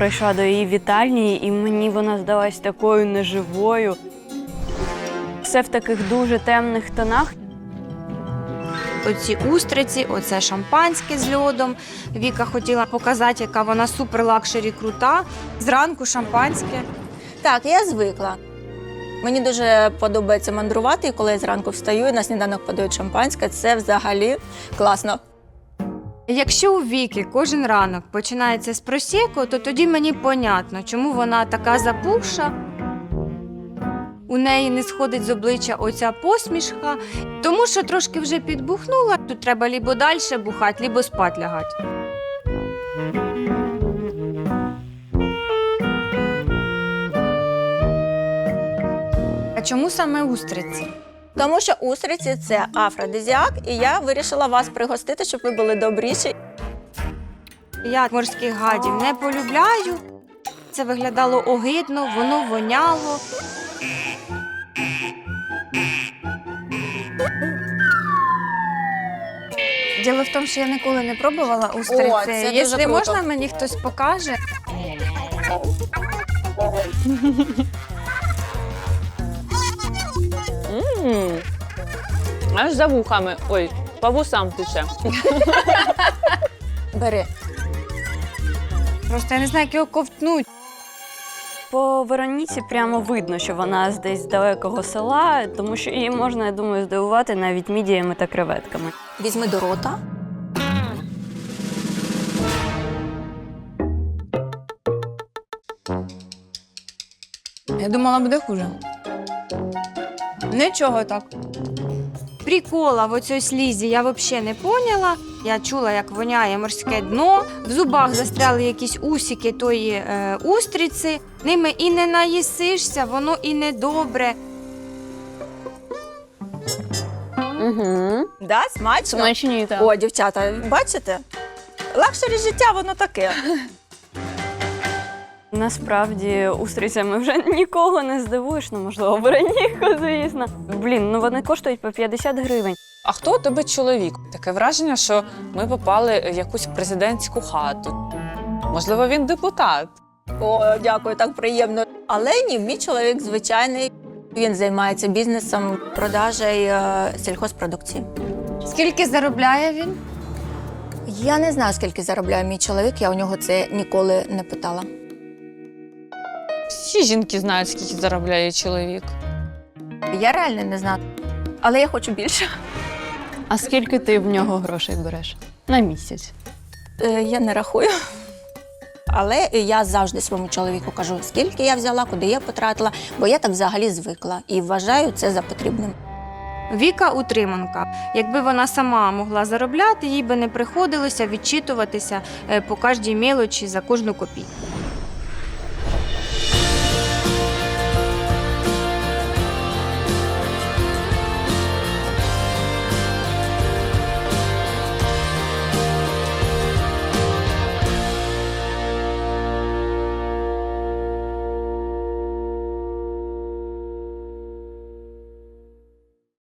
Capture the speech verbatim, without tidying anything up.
прийшла до її вітальні, і мені вона здалась такою неживою. Все в таких дуже темних тонах. Оці устриці, оце шампанське з льодом. Віка хотіла показати, яка вона супер-лакшері крута. Зранку шампанське. Так, я звикла. Мені дуже подобається мандрувати, і коли я зранку встаю і на сніданок подають шампанське, це взагалі класно. Якщо у Віки кожен ранок починається з просеко, то тоді мені понятно, чому вона така запухша. У неї не сходить з обличчя оця посмішка, тому що трошки вже підбухнула, тут треба лібо далі бухати, лібо спать лягати. А чому саме устриці? Тому що устриці – це афродизіак, і я вирішила вас пригостити, щоб ви були добріші. Я морських гадів не полюбляю. Це виглядало огидно, воно воняло. Діло в тому, що я ніколи не пробувала устриці. О, це дуже Якщо круто. можна, мені хтось покаже. Ммм, аж за вухами. Ой, по вусам тече. Бери. Просто я не знаю, як його ковтнуть. По Вероніці прямо видно, що вона з десь з далекого села, тому що її можна, я думаю, здивувати навіть мідіями та креветками. Візьми до рота. Я думала, буде хуже. Нічого так. Прикола в оцій слізі я взагалі не поняла. Я чула, як воняє морське дно. В зубах застряли якісь усики тої е, устриці. Ними і не наїсишся, воно і не добре. Угу. Да, смачно? Смачні, так. О, дівчата, бачите? Лакшері життя, воно таке. Насправді, устрицями вже нікого не здивуєш, ну, можливо, Вероніку, звісно. Блін, ну вони коштують по п'ятдесят гривень. А хто у тебе чоловік? Таке враження, що ми попали в якусь президентську хату. Можливо, він депутат. О, дякую, так приємно. Але ні, мій чоловік звичайний. Він займається бізнесом продажі е, сільхозпродукції. Скільки заробляє він? Я не знаю, скільки заробляє мій чоловік, я у нього це ніколи не питала. Всі жінки знають, скільки заробляє чоловік. Я реально не знаю, але я хочу більше. А скільки ти в нього грошей береш? На місяць. Е, я не рахую. Але я завжди своєму чоловіку кажу, скільки я взяла, куди я потратила, бо я так взагалі звикла і вважаю це за потрібним. Віка утриманка. Якби вона сама могла заробляти, їй би не приходилося відчитуватися е, по кожній мелочі за кожну копійку.